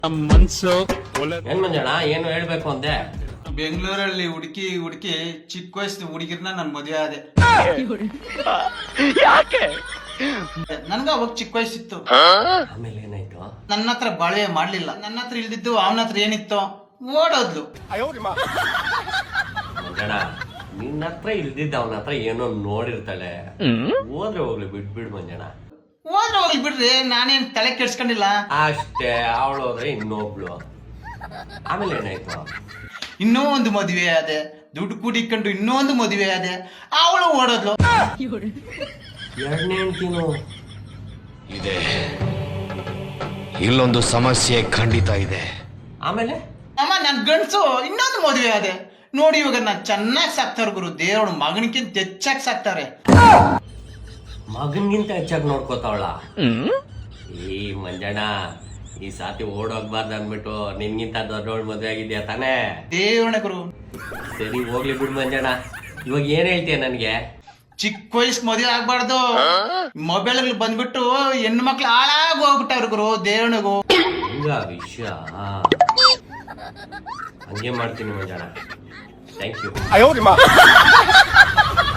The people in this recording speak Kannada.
ಮನ್ಸು ಏನ್ ಮಂಜಣ್ಣ ಏನು ಹೇಳ್ಬೇಕು ಅಂದೆ? ಬೆಂಗಳೂರಲ್ಲಿ ಹುಡುಕಿ ಚಿಕ್ಕ ವಯಸ್ಸು ಹುಡುಗಿರ್ನ ನನ್ ಮದುವೆ ಆದೆ. ನನ್ಗ ಅವಾಗ ಚಿಕ್ಕ ವಯಸ್ಸಿತ್ತು. ಆಮೇಲೆ ಏನಾಯ್ತು? ನನ್ನ ಹತ್ರ ಬಾಳ್ವೆ ಮಾಡ್ಲಿಲ್ಲ. ನನ್ನ ಹತ್ರ ಇಲ್ದಿದ್ದು ಅವನ ಹತ್ರ ಏನಿತ್ತು ಓಡೋದ್ಲು. ಮಂಜಣ್ಣ ನಿನ್ನ ಹತ್ರ ಇಲ್ದಿದ್ದ ಅವನ ಹತ್ರ ಏನೋ ನೋಡಿರ್ತಾಳೆ, ಹೋದ್ರೆ ಹೋಗ್ಲಿ ಬಿಡ್ಬಿಡ್ ಮಂಜಣ್ಣ. ಹೋದ್ರೆ ಹೋಗ್ಲಿ ಬಿಡ್ರಿ, ನಾನೇನ್ ತಲೆ ಕೆಡ್ಸ್ಕೊಂಡಿಲ್ಲ. ಅಷ್ಟೇ, ಅವಳು ಹೋದ್ರೆ ಇನ್ನೊಬ್ಳು. ಆಮೇಲೆ ಏನಾಯ್ತು? ಇನ್ನೂ ಒಂದು ಮದುವೆ ಆದೆ, ದುಡ್ಡು ಕೂಡಿಕೊಂಡು ಇನ್ನೂ ಒಂದು ಮದುವೆ ಆದೆ, ಅವಳು ಓಡೋದ್ಲು. ಎರಡನೇ ಹೆಂಡ್ತಿನು ಇದೆ, ಇಲ್ಲೊಂದು ಸಮಸ್ಯೆ ಖಂಡಿತ ಇದೆ. ಆಮೇಲೆ ಅಮ್ಮ ನನ್ ಗಂಡ್ಸು ಇನ್ನೊಂದು ಮದುವೆ ಆದೆ. ನೋಡಿ ಇವಾಗ ನಾನ್ ಚೆನ್ನಾಗಿ ಸಾಕ್ತಾರ ಗುರು, ದೇವ್ರು ಮಗನಿಗಿಂತ ಹೆಚ್ಚಾಗಿ ಸಾಕ್ತಾರೆ. ಮಗನ್ಗಿಂತ ಹೆಚ್ಚಾಗಿ ನೋಡ್ಕೋತಾವಳ. ಈ ಮಂಜಣ್ಣ ಈ ಸಾತಿ ಓಡೋಗ್ಬಾರ್ದು ಅಂದ್ಬಿಟ್ಟು ನಿನ್ಗಿಂತ ದೊಡ್ಡವಳು ಮದ್ವೆ ಆಗಿದ್ಯಾ ತಾನೇ? ದೇವ್ರಣ ಗುರು. ಸರಿ ಹೋಗ್ಲಿ ಬಿಡು ಮಂಜಣ್ಣ, ಇವಾಗ ಏನ್ ಹೇಳ್ತೀಯ ನನ್ಗೆ? ಚಿಕ್ಕ ವಯಸ್ಸು ಮದುವೆ ಆಗ್ಬಾರ್ದು. ಮೊಬೈಲ್ ಬಂದ್ಬಿಟ್ಟು ಹೆಣ್ಣು ಮಕ್ಳು ಹಾಳಾಗಿ ಹೋಗ್ಬಿಟ್ಟವ್ರು ಗುರು, ದೇವ್ರಣಿಗೂ. ಹಂಗ ವಿಷಯ, ಹಂಗೆ ಮಾಡ್ತೀನಿ ಮಂಜಣ್ಣ. Thank you.